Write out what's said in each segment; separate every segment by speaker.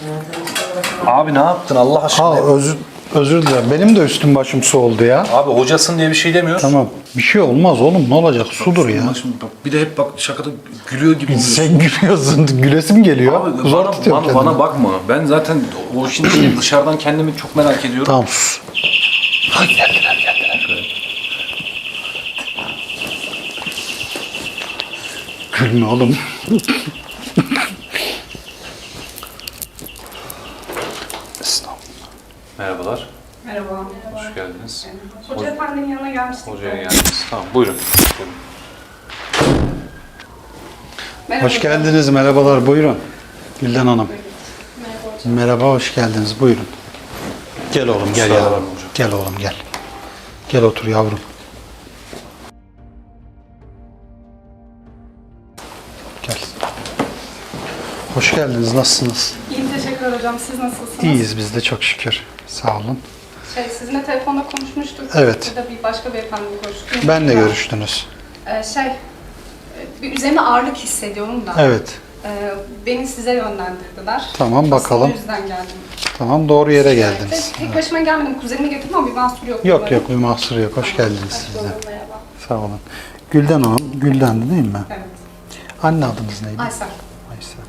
Speaker 1: Abi ne yaptın Allah aşkına?
Speaker 2: Ha özür dilerim. Benim de üstüm başım su oldu ya.
Speaker 1: Abi hocasın diye bir şey demiyoruz.
Speaker 2: Tamam. Bir şey olmaz oğlum. Ne olacak? Sudur ya.
Speaker 1: Bir de hep bak şakada gülüyor gibi oluyorsun.
Speaker 2: Sen gülüyorsun. Gülesim geliyor.
Speaker 1: Abi
Speaker 2: Zor tutuyorum kendimi.
Speaker 1: bana bakma. Ben zaten o işin içine dışarıdan kendimi çok merak ediyorum.
Speaker 2: Tamam sus.
Speaker 1: Ha, geldiler.
Speaker 2: Gülme oğlum.
Speaker 1: Merhabalar.
Speaker 3: Merhaba.
Speaker 1: Hoş geldiniz.
Speaker 3: Hoca efendinin yanına gelmiştik.
Speaker 1: Hocaya geldiniz. Tamam buyurun.
Speaker 3: Merhaba.
Speaker 2: Hoş geldiniz. Merhabalar. Buyurun. Gülden Hanım. Merhaba. Hoş geldiniz. Buyurun. Gel oğlum gel
Speaker 1: Kusura
Speaker 2: yavrum.
Speaker 1: bakma hocam.
Speaker 2: Gel oğlum gel. Gel otur yavrum. Gel. Hoş geldiniz. Nasılsınız?
Speaker 3: İyiyim, teşekkürler hocam. Siz nasılsınız?
Speaker 2: İyiyiz biz de çok şükür. Sağ olun.
Speaker 3: Sizinle telefonda konuşmuştuk.
Speaker 2: Evet.
Speaker 3: Burada bir başka beyefendiyle görüştük.
Speaker 2: Benle görüştünüz.
Speaker 3: Bir üzerine ağırlık hissediyorum da.
Speaker 2: Evet.
Speaker 3: Beni size yönlendirdiler.
Speaker 2: Tamam, bakalım.
Speaker 3: Aslında o yüzden geldim.
Speaker 2: Tamam doğru yere geldiniz.
Speaker 3: Tek başıma gelmedim. Kuzenimi getirdim ama bir mahsur yok.
Speaker 2: Yok
Speaker 3: umarım.
Speaker 2: yok bir mahsur yok. Hoş geldiniz siz de.
Speaker 3: buldum, merhaba.
Speaker 2: Sağ olun. Gülden Hanım. Gülden'di değil mi?
Speaker 3: Evet.
Speaker 2: Anne adınız neydi?
Speaker 3: Aysel.
Speaker 2: Aysel.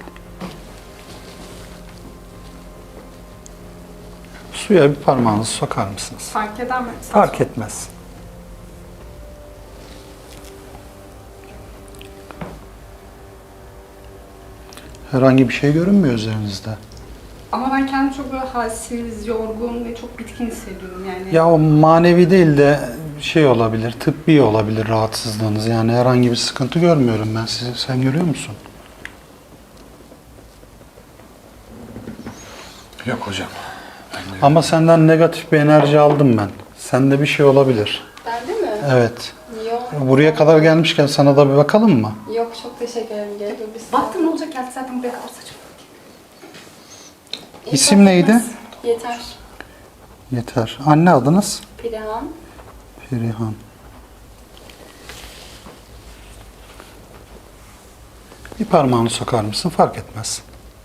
Speaker 2: Suya bir parmağınızı sokar mısınız?
Speaker 3: Fark eder mi?
Speaker 2: Fark etmez. Herhangi bir şey görünmüyor üzerinizde.
Speaker 3: Ama ben kendimi çok böyle halsiz, yorgun ve çok bitkin hissediyorum yani.
Speaker 2: Ya o manevi değil de şey olabilir, tıbbi olabilir rahatsızlığınız. Yani herhangi bir sıkıntı görmüyorum ben sizi. Sen görüyor musun?
Speaker 1: Yok hocam.
Speaker 2: Ama senden negatif bir enerji aldım ben. Sende bir şey olabilir.
Speaker 4: Bende mi?
Speaker 2: Evet.
Speaker 4: Yok.
Speaker 2: Buraya kadar gelmişken sana da bir bakalım mı?
Speaker 4: Yok, çok teşekkür ederim. Gerek yok.
Speaker 3: Baktım ne olacak geldi zaten buraya kadar saçma.
Speaker 2: İsim neydi?
Speaker 4: Yeter.
Speaker 2: Yeter. Anne adınız?
Speaker 4: Perihan.
Speaker 2: Perihan. Bir parmağını sokar mısın? Fark etmez.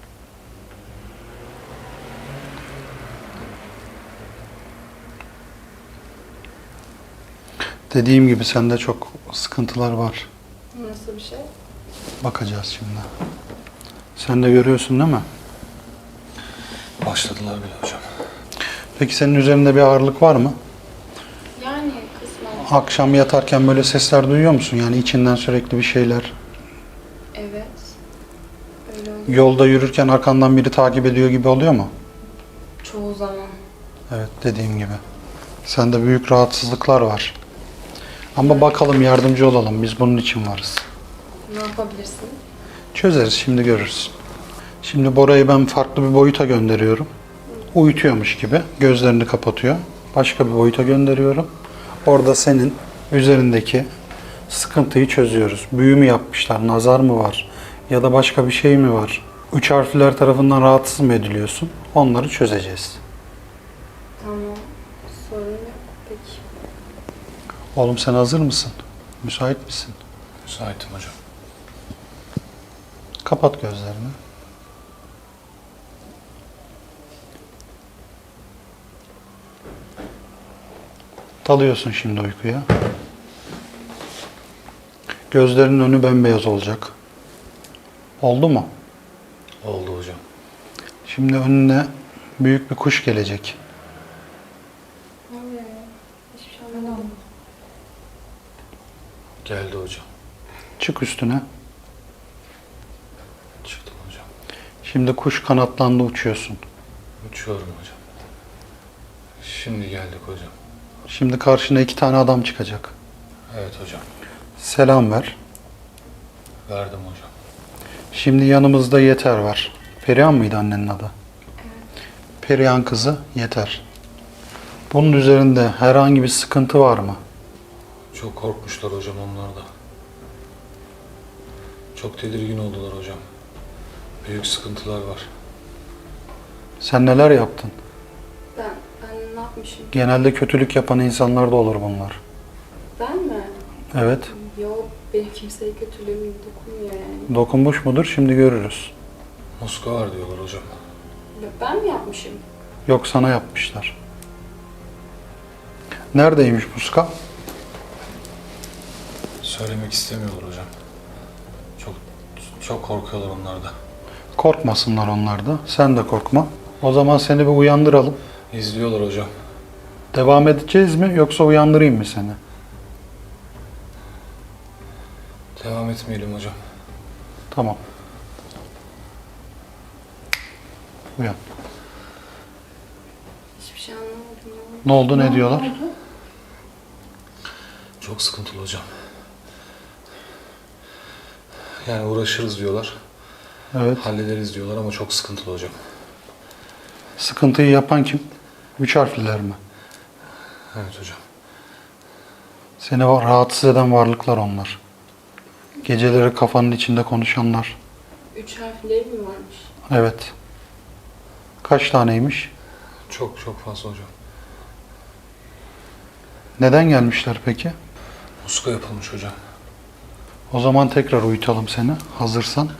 Speaker 2: Dediğim gibi sende çok sıkıntılar var.
Speaker 4: Nasıl bir şey?
Speaker 2: Bakacağız şimdi. Sen de görüyorsun değil mi?
Speaker 1: Başladılar bile hocam.
Speaker 2: Peki senin üzerinde bir ağırlık var mı?
Speaker 4: Yani kısmen.
Speaker 2: Akşam yatarken böyle sesler duyuyor musun? Yani içinden sürekli bir şeyler.
Speaker 4: Evet. Öyle oluyor.
Speaker 2: Yolda yürürken arkandan biri takip ediyor gibi oluyor mu?
Speaker 4: Çoğu zaman.
Speaker 2: Evet, dediğim gibi. Sende büyük rahatsızlıklar var. Ama bakalım, yardımcı olalım. Biz bunun için varız.
Speaker 4: Ne yapabilirsin?
Speaker 2: Çözeriz, şimdi görürüz. Şimdi Bora'yı ben farklı bir boyuta gönderiyorum. Uyutuyormuş gibi gözlerini kapatıyor. Başka bir boyuta gönderiyorum. Orada senin üzerindeki sıkıntıyı çözüyoruz. Büyü mü yapmışlar, nazar mı var ya da başka bir şey mi var? Üç harfler tarafından rahatsız mı ediliyorsun? Onları çözeceğiz.
Speaker 4: Tamam. Sorun yok. Peki.
Speaker 2: Oğlum sen hazır mısın? Müsait misin?
Speaker 1: Müsaitim hocam.
Speaker 2: Kapat gözlerini. Dalıyorsun şimdi uykuya. Gözlerinin önü bembeyaz olacak. Oldu mu?
Speaker 1: Oldu hocam.
Speaker 2: Şimdi önüne büyük bir kuş gelecek.
Speaker 4: Ne oluyor ya? Hiçbir şey anlamadım.
Speaker 1: Geldi hocam.
Speaker 2: Çık üstüne.
Speaker 1: Çıktım hocam.
Speaker 2: Şimdi kuş kanatlandı, uçuyorsun.
Speaker 1: Uçuyorum hocam. Şimdi geldik hocam.
Speaker 2: Şimdi karşına 2 tane adam çıkacak.
Speaker 1: Evet hocam.
Speaker 2: Selam ver.
Speaker 1: Verdim hocam.
Speaker 2: Şimdi yanımızda Yeter var. Perihan mıydı annenin adı? Perihan kızı Yeter. Bunun üzerinde herhangi bir sıkıntı var mı?
Speaker 1: Çok korkmuşlar hocam onlar da. Çok tedirgin oldular hocam. Büyük sıkıntılar var.
Speaker 2: Sen neler yaptın?
Speaker 4: Ben ne yapmışım?
Speaker 2: Genelde kötülük yapan insanlar da olur bunlar.
Speaker 4: Ben mi?
Speaker 2: Evet.
Speaker 4: Yok. Benim kimseye kötülüğüm dokunmuyor yani.
Speaker 2: Dokunmuş mudur? Şimdi görürüz.
Speaker 1: Muska var diyorlar hocam.
Speaker 4: Ben mi yapmışım?
Speaker 2: Yok, sana yapmışlar. Neredeymiş muska?
Speaker 1: Söylemek istemiyorlar hocam. Çok korkuyorlar onlar da.
Speaker 2: Korkmasınlar onlar da. Sen de korkma. O zaman seni bir uyandıralım.
Speaker 1: İzliyorlar hocam.
Speaker 2: Devam edeceğiz mi yoksa uyandırayım mı seni?
Speaker 1: Devam etmeyelim hocam.
Speaker 2: Tamam. Uyan.
Speaker 4: Hiçbir şey anlamadım ya.
Speaker 2: Ne oldu, ne diyorlar?
Speaker 1: Çok sıkıntılı hocam. Yani uğraşırız diyorlar.
Speaker 2: Evet.
Speaker 1: Hallederiz diyorlar ama çok sıkıntılı hocam.
Speaker 2: Sıkıntıyı yapan kim? 3 harfliler mi?
Speaker 1: Evet hocam.
Speaker 2: Seni rahatsız eden varlıklar onlar. Geceleri kafanın içinde konuşanlar.
Speaker 4: 3 harfleri mi varmış?
Speaker 2: Evet. Kaç taneymiş?
Speaker 1: Çok fazla hocam.
Speaker 2: Neden gelmişler peki?
Speaker 1: Muska yapılmış hocam.
Speaker 2: O zaman tekrar uyutalım seni. Hazırsan.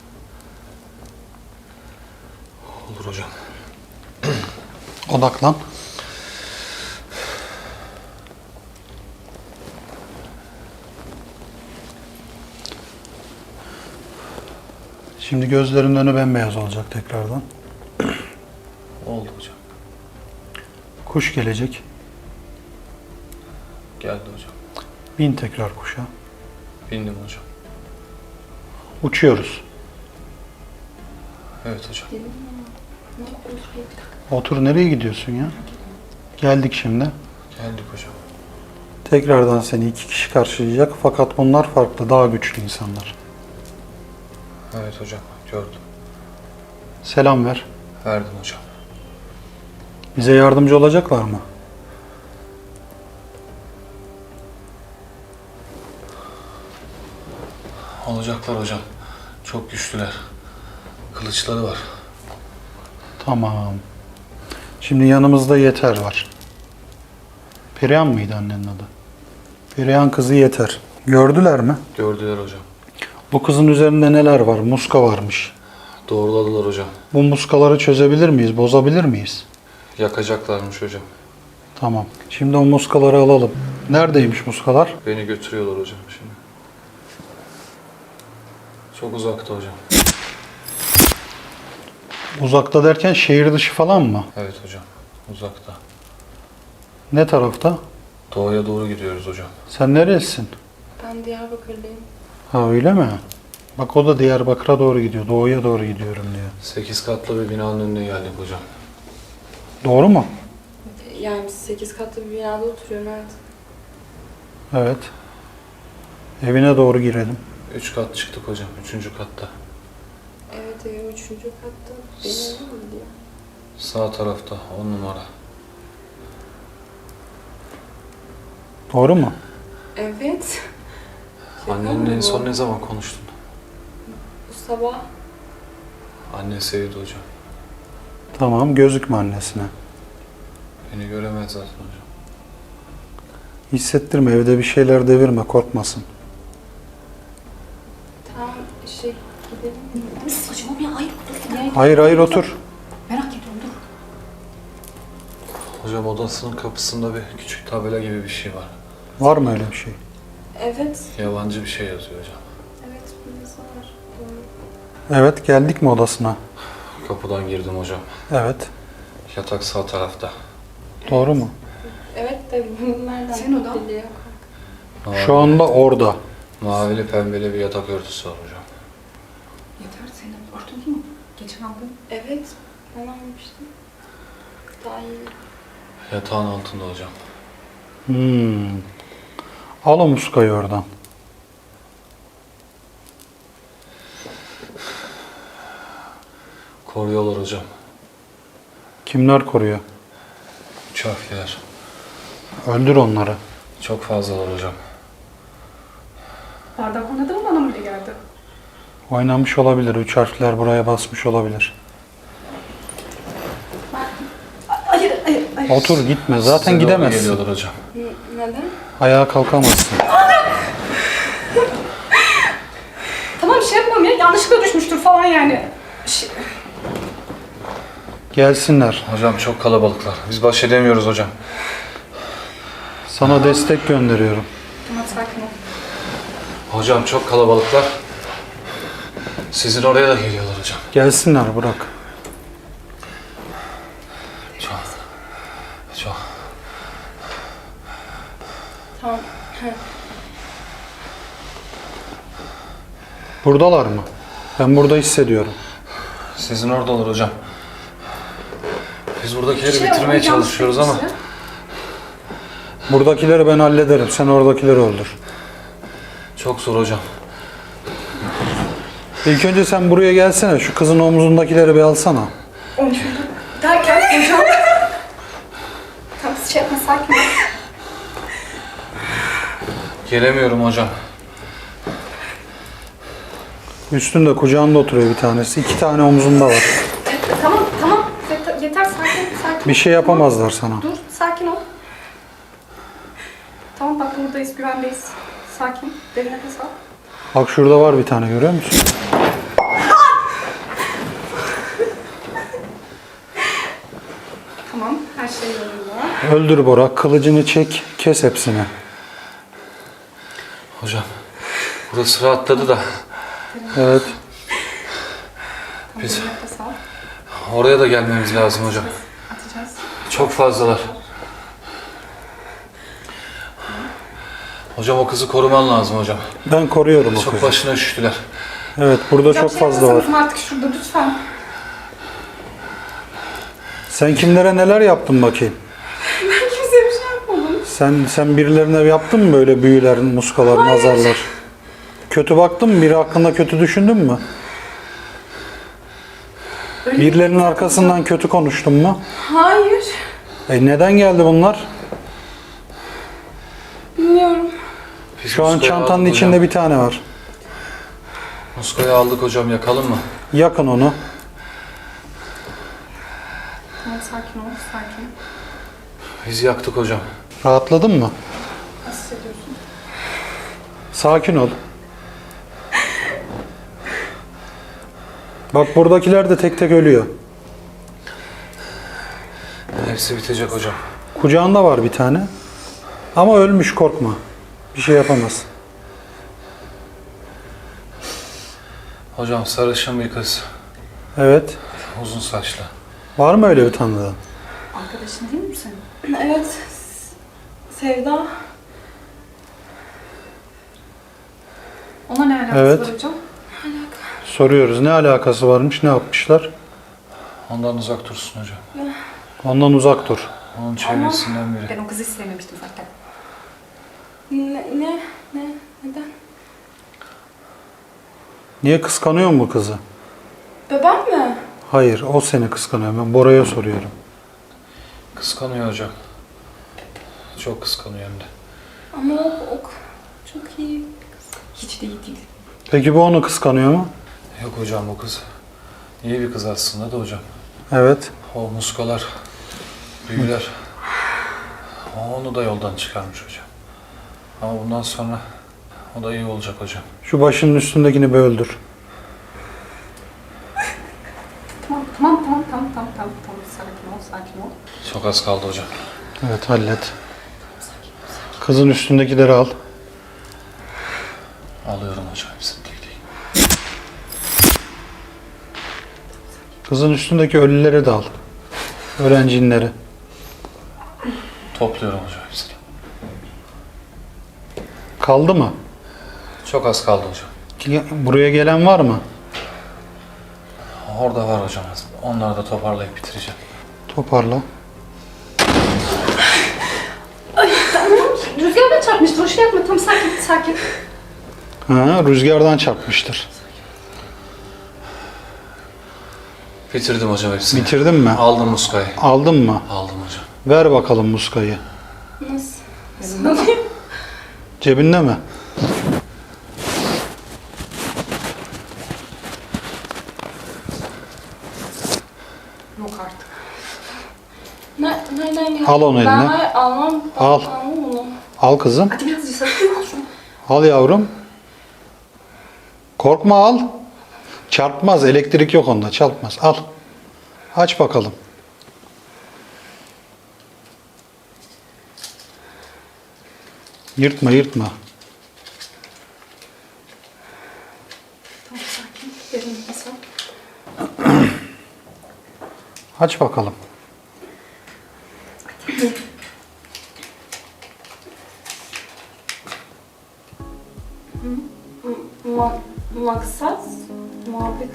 Speaker 1: Olur hocam.
Speaker 2: Odaklan. Şimdi gözlerinin önü bembeyaz olacak tekrardan.
Speaker 1: Oldu hocam.
Speaker 2: Kuş gelecek.
Speaker 1: Geldi hocam.
Speaker 2: Bin tekrar kuşa.
Speaker 1: Bindim hocam.
Speaker 2: Uçuyoruz.
Speaker 1: Evet hocam.
Speaker 4: Dedim ya. Ne yapıyorsun?
Speaker 2: Otur, nereye gidiyorsun ya? Geldik şimdi.
Speaker 1: Geldik hocam.
Speaker 2: Tekrardan seni 2 kişi karşılayacak. Fakat bunlar farklı, daha güçlü insanlar.
Speaker 1: Evet hocam. Gördüm.
Speaker 2: Selam ver.
Speaker 1: Verdim hocam.
Speaker 2: Bize yardımcı olacaklar mı?
Speaker 1: Olacaklar hocam. Çok güçlüler. Kılıçları var.
Speaker 2: Tamam. Şimdi yanımızda Yeter var. Perihan mıydı annenin adı? Perihan kızı Yeter. Gördüler mi?
Speaker 1: Gördüler hocam.
Speaker 2: Bu kızın üzerinde neler var? Muska varmış.
Speaker 1: Doğruladılar hocam.
Speaker 2: Bu muskaları çözebilir miyiz? Bozabilir miyiz?
Speaker 1: Yakacaklarmış hocam.
Speaker 2: Tamam. Şimdi o muskaları alalım. Neredeymiş muskalar?
Speaker 1: Beni götürüyorlar hocam şimdi. Çok uzakta hocam.
Speaker 2: Uzakta derken şehir dışı falan mı?
Speaker 1: Evet hocam. Uzakta.
Speaker 2: Ne tarafta?
Speaker 1: Doğuya doğru gidiyoruz hocam.
Speaker 2: Sen nerelisin?
Speaker 4: Ben Diyarbakırlıyım.
Speaker 2: Ha, öyle mi? Bak, o da Diyarbakır'a doğru gidiyor. Doğuya doğru gidiyorum diyor.
Speaker 1: 8 katlı bir binanın önüne geldik hocam.
Speaker 2: Doğru mu?
Speaker 4: Yani 8 katlı bir binada oturuyorum, evet.
Speaker 2: Evet. Evine doğru girelim.
Speaker 1: 3 kat çıktık hocam. 3. katta.
Speaker 4: Evet, evim 3. katta. Benim evim mi diyor?
Speaker 1: Sağ tarafta 10 numara.
Speaker 4: Şey
Speaker 2: Doğru mu?
Speaker 4: Evet.
Speaker 1: Annenle en son ne zaman konuştun?
Speaker 4: Bu sabah.
Speaker 1: Anne sevdi hocam.
Speaker 2: Tamam, gözükme annesine.
Speaker 1: Beni göremez zaten hocam.
Speaker 2: Hissettirme, evde bir şeyler devirme, korkmasın.
Speaker 4: Tamam, gidelim mi?
Speaker 3: Saçmalama ya, hayır dur.
Speaker 2: Hayır hayır, otur.
Speaker 3: Merak ediyorum, dur.
Speaker 1: Hocam odasının kapısında bir küçük tabela gibi bir şey var.
Speaker 2: Var mı öyle bir şey?
Speaker 4: Evet.
Speaker 1: Yabancı bir şey yazıyor hocam.
Speaker 4: Evet, birisi var. Doğru.
Speaker 2: Evet, geldik mi odasına?
Speaker 1: Kapıdan girdim hocam.
Speaker 2: Evet.
Speaker 1: Yatak sağ tarafta.
Speaker 2: Doğru mu?
Speaker 4: Evet de bunu nereden
Speaker 3: Senin odan?
Speaker 4: biliyor?
Speaker 2: Şu anda orada.
Speaker 1: Mavili pembeli bir yatak örtüsü var hocam.
Speaker 3: Yeter, senin örtün mü? Geçen aldın.
Speaker 4: Evet, ben almıştım. Daha iyi.
Speaker 1: Yatağın altında hocam.
Speaker 2: Al o muskayı oradan.
Speaker 1: Koruyorlar hocam.
Speaker 2: Kimler koruyor?
Speaker 1: 3 harfliler.
Speaker 2: Öldür onları.
Speaker 1: Çok fazlalar hocam.
Speaker 3: Bardak oynadı mı, bana mı öyle geldi?
Speaker 2: Oynamış olabilir. 3 harfler buraya basmış olabilir.
Speaker 3: Hayır, hayır, hayır.
Speaker 2: Otur, gitme. Zaten
Speaker 1: Size doğru
Speaker 2: gidemezsin.
Speaker 1: geliyorlar hocam.
Speaker 4: Neden?
Speaker 2: Ayağa kalkamazsın.
Speaker 3: Tamam, şey yapmam ya, yanlışlıkla düşmüştür falan yani.
Speaker 2: Gelsinler.
Speaker 1: Hocam çok kalabalıklar. Biz baş edemiyoruz hocam.
Speaker 2: Sana destek gönderiyorum.
Speaker 3: Tamam sakin ol.
Speaker 1: Hocam çok kalabalıklar. Sizin oraya da geliyorlar hocam.
Speaker 2: Gelsinler bırak.
Speaker 1: Çok. Çok.
Speaker 4: Tamam.
Speaker 2: Buradalar mı? Ben burada hissediyorum.
Speaker 1: Sizin oradalar hocam. Biz buradakileri bitirmeye
Speaker 3: oldu, yanlış
Speaker 1: çalışıyoruz ama.
Speaker 3: gitmişti.
Speaker 2: Buradakileri ben hallederim. Sen oradakileri öldür.
Speaker 1: Çok zor hocam.
Speaker 2: İlk önce sen buraya gelsene. Şu kızın omzundakileri bir alsana.
Speaker 3: Onu şurada derken hocam. Tamam şey yapma sakin ol.
Speaker 1: Gelemiyorum hocam.
Speaker 2: Üstünde kucağında oturuyor bir tanesi. 2 tane omzunda var.
Speaker 3: Tamam tamam yeter sakin.
Speaker 2: Bir şey yapamazlar sana.
Speaker 3: Dur sakin ol. Tamam bak buradayız güvendeyiz. Sakin derin nefes al.
Speaker 2: Bak şurada var bir tane görüyor musun?
Speaker 3: Tamam her şey yolunda.
Speaker 2: Öldür Bora. Kılıcını çek. Kes hepsini.
Speaker 1: Hocam. Burası rahatladı da.
Speaker 2: Evet.
Speaker 1: Biz
Speaker 3: Derin nefes al.
Speaker 1: oraya da gelmemiz lazım hocam.
Speaker 3: Atacağız.
Speaker 1: Çok fazlalar. Hocam o kızı koruman lazım hocam.
Speaker 2: Ben koruyorum o
Speaker 1: Çok
Speaker 2: kızı.
Speaker 1: başına üşüttüler.
Speaker 2: Evet burada çok
Speaker 3: Şey
Speaker 2: fazla var.
Speaker 3: yapmasanız mı artık şurada lütfen.
Speaker 2: Sen kimlere neler yaptın bakayım?
Speaker 3: Ben kimseye bir şey yapmadım.
Speaker 2: Sen birilerine yaptın mı böyle büyüler, muskalar, nazarlar? Kötü baktın mı? Biri hakkında kötü düşündün mü?
Speaker 3: Öyle
Speaker 2: Birilerinin arkasından kötü konuştun mu?
Speaker 3: Hayır.
Speaker 2: Neden geldi bunlar?
Speaker 3: Bilmiyorum.
Speaker 1: Biz
Speaker 2: Şu an
Speaker 1: muskayı
Speaker 2: çantanın
Speaker 1: aldık
Speaker 2: içinde
Speaker 1: hocam.
Speaker 2: bir tane var.
Speaker 1: Muskayı aldık hocam, yakalım mı?
Speaker 2: Yakın onu.
Speaker 3: Tamam sakin ol sakin.
Speaker 1: Biz yaktık hocam.
Speaker 2: Rahatladın mı?
Speaker 3: Nasıl hissediyorsun?
Speaker 2: Sakin ol. Bak buradakiler de tek tek ölüyor.
Speaker 1: Hepsi bitecek hocam.
Speaker 2: Kucağında var bir tane. Ama ölmüş, korkma. Bir şey yapamaz.
Speaker 1: Hocam sarışın bir kız.
Speaker 2: Evet.
Speaker 1: Uzun saçlı.
Speaker 2: Var mı öyle bir tanıdığın?
Speaker 3: Arkadaşın değil mi senin?
Speaker 4: Evet. Sevda.
Speaker 3: Ona ne alakası
Speaker 2: Evet.
Speaker 3: var hocam?
Speaker 2: Soruyoruz. Ne alakası varmış? Ne yapmışlar?
Speaker 1: Ondan uzak dursun hocam.
Speaker 2: Ondan uzak dur.
Speaker 1: Onun çevresinden biri.
Speaker 3: Ben o kızı hiç sevmemiştim zaten.
Speaker 4: Neden?
Speaker 2: Niye kıskanıyor mu bu kızı?
Speaker 4: Ben mi?
Speaker 2: Hayır, o seni kıskanıyor. Ben Bora'ya soruyorum.
Speaker 1: Kıskanıyor hocam. Çok kıskanıyor hem de.
Speaker 4: Ama o çok iyi.
Speaker 3: Hiç de iyi değil.
Speaker 2: Peki bu onu kıskanıyor mu?
Speaker 1: Yok hocam, bu kız iyi bir kız aslında da hocam.
Speaker 2: Evet.
Speaker 1: O muskalar, büyüler. O onu da yoldan çıkarmış hocam. Ama bundan sonra o da iyi olacak hocam.
Speaker 2: Şu başının üstündekini bir öldür.
Speaker 3: Tamam. Sakin ol.
Speaker 1: Çok az kaldı hocam.
Speaker 2: Evet, hallet. Kızın üstündekileri al.
Speaker 1: Alıyorum hocam hepsini tek tek.
Speaker 2: Kızın üstündeki ölüleri de al. Ölen cinleri.
Speaker 1: Topluyorum hocam hepsini.
Speaker 2: Kaldı mı?
Speaker 1: Çok az kaldı hocam.
Speaker 2: Buraya gelen var mı?
Speaker 1: Orada var hocam. Onları da toparlayıp bitireceğim.
Speaker 2: Toparla.
Speaker 3: Rüzgardan çarpmıştır. O şey yapma. Tamam sakin.
Speaker 2: Ha, rüzgardan çarpmıştır.
Speaker 1: Bitirdim hocam hepsini.
Speaker 2: Bitirdin mi?
Speaker 1: Aldım muskayı.
Speaker 2: Aldın mı?
Speaker 1: Aldım hocam.
Speaker 2: Ver bakalım muskayı.
Speaker 4: Nasıl?
Speaker 2: Cebinde mi?
Speaker 3: Yok artık.
Speaker 4: Nereden geldi?
Speaker 2: Al onu eline.
Speaker 4: Ben hayır almam.
Speaker 2: Al.
Speaker 4: Almam onu.
Speaker 2: Al kızım.
Speaker 3: Hadi biraz sakın al şunu.
Speaker 2: Al yavrum. Korkma, al. Çarpmaz. Elektrik yok onda. Çarpmaz. Al. Aç bakalım. Yırtma yırtma.
Speaker 3: Tamam sakin. Derin nefes al.
Speaker 2: Aç bakalım.
Speaker 3: Maksat muhabbet.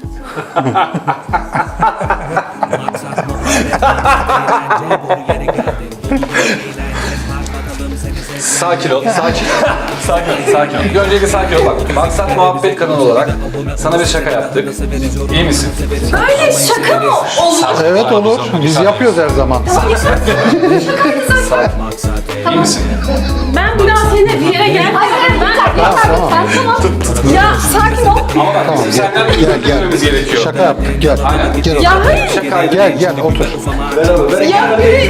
Speaker 1: Sakin ol, sakin. sakin ol. Bir öncelikle sakin ol bak. Maksat Muhabbet kanalı olarak sana bir şaka yaptık. İyi misin?
Speaker 3: Böyle şaka mı olur?
Speaker 2: Evet olur. Biz yapıyoruz her zaman.
Speaker 1: İyi misin?
Speaker 3: Ben bir daha seninle bir yere gel. Hayır
Speaker 2: Tamam.
Speaker 3: Ya sakin ol.
Speaker 1: Ama bak bizim senden bir
Speaker 2: Gel
Speaker 1: bildirmemiz
Speaker 2: gel.
Speaker 1: gerekiyor.
Speaker 2: Şaka yaptık. Gel.
Speaker 1: Aynen.
Speaker 2: Gel otur.
Speaker 3: Ya hayır.
Speaker 2: Gel gel otur.
Speaker 3: Ya biri...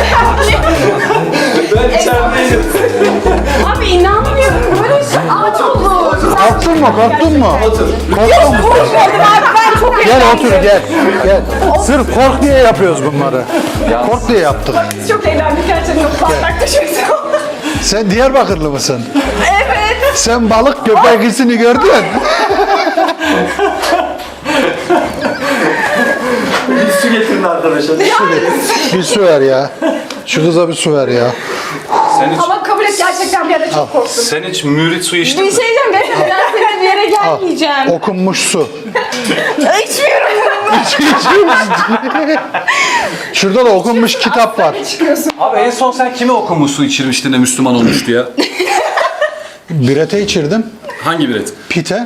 Speaker 1: Ben içerideyim.
Speaker 3: Abi inanmıyorum. Böyle şey aç olur.
Speaker 2: Korktun mu? Korktun mu?
Speaker 1: Otur.
Speaker 2: Korktun mu?
Speaker 3: Korkmadım abi ben çok
Speaker 2: Gel otur gel. Gel. Sırf kork diye yapıyoruz bunları. Kork diye yaptık.
Speaker 3: çok eğlendik gerçekten. Parlak düşüyorsun.
Speaker 2: Sen Diyarbakırlı mısın?
Speaker 3: Evet.
Speaker 2: Sen balık köpek hissini gördün.
Speaker 5: Bir su getirin arkadaşlar.
Speaker 2: Bir su ver ya. Şu kıza bir su ver ya.
Speaker 3: Ama kabul et gerçekten bir ara çok korktum.
Speaker 1: Sen hiç mürit su içtin
Speaker 3: Bir
Speaker 1: mi?
Speaker 3: şey diyeceğim. Ben seninle bir yere gelmeyeceğim.
Speaker 2: Okunmuş su.
Speaker 3: İçmiyorum.
Speaker 2: Şurada da okunmuş kitap var.
Speaker 3: Çıkıyorsun.
Speaker 1: Abi en son sen kime okumuş su içirmiştin de Müslüman olmuştu ya?
Speaker 2: Birete içirdim.
Speaker 1: Hangi biret?
Speaker 2: Pite.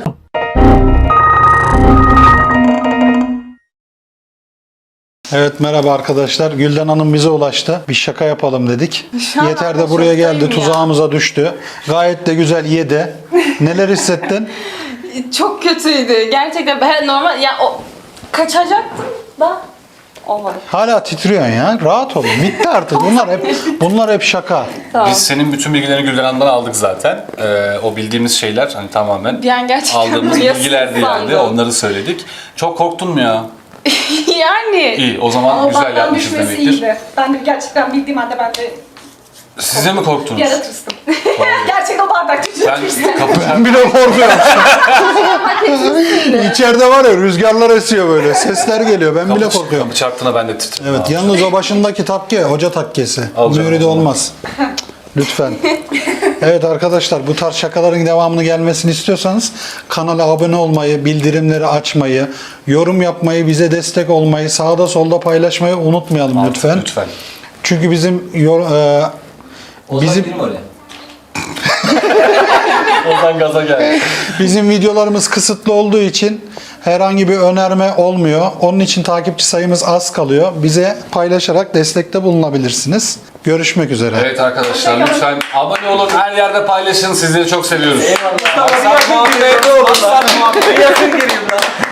Speaker 2: Evet merhaba arkadaşlar. Gülden Hanım bize ulaştı. Bir şaka yapalım dedik.
Speaker 3: Şu an
Speaker 2: Yeter
Speaker 3: ben
Speaker 2: de buraya geldi.
Speaker 3: şoktayım ya.
Speaker 2: Tuzağımıza düştü. Gayet de güzel yedi. Neler hissettin?
Speaker 6: Çok kötüydü. Gerçekten ben normal ya o kaçacaktım da olmadı.
Speaker 2: Hala titriyorsun ya. Rahat ol. Bitti artık. Bunlar hep şaka.
Speaker 6: Tamam.
Speaker 1: Biz senin bütün bilgilerini Gülden Hanım'dan aldık zaten. O bildiğimiz şeyler hani tamamen
Speaker 6: Bir an gerçekten
Speaker 1: aldığımız
Speaker 6: duyasın
Speaker 1: bilgilerdi yani.
Speaker 6: sandım.
Speaker 1: Onları söyledik. Çok korktun mu ya?
Speaker 6: Yani
Speaker 1: İyi o zaman
Speaker 3: Ama
Speaker 1: güzel
Speaker 3: benden
Speaker 1: yapmışız
Speaker 3: düşmesi
Speaker 1: demektir.
Speaker 3: iyiydi. Ben de gerçekten bildiğim halde ben de
Speaker 1: Siz de mi korktunuz?
Speaker 3: bir ara tırstım. Gerçekten o bardak
Speaker 1: Ben
Speaker 3: tırstım.
Speaker 1: kapı
Speaker 2: Bile korkuyorum. İçeride var ya rüzgarlar esiyor böyle. Sesler geliyor. Ben bile korkuyorum.
Speaker 1: kapı çarptığına ben de titredim.
Speaker 2: Evet yalnız o başındaki takke hoca takkesi.
Speaker 1: Al canım,
Speaker 2: Mühürü de
Speaker 1: o zaman.
Speaker 2: olmaz. Lütfen. Evet arkadaşlar bu tarz şakaların devamını gelmesini istiyorsanız kanala abone olmayı, bildirimleri açmayı, yorum yapmayı, bize destek olmayı, sağda solda paylaşmayı unutmayalım lütfen.
Speaker 1: Lütfen.
Speaker 2: Çünkü bizim
Speaker 1: Ozan gaza geldi.
Speaker 2: bizim videolarımız kısıtlı olduğu için herhangi bir önerme olmuyor. Onun için takipçi sayımız az kalıyor. Bize paylaşarak destekte bulunabilirsiniz. Görüşmek üzere.
Speaker 1: Evet arkadaşlar lütfen abone olun, her yerde paylaşın. Sizleri çok seviyoruz.
Speaker 5: Eyvallah.
Speaker 1: Maksat muhabbet, maksat muhabbet.
Speaker 5: Yakın geleyim lan.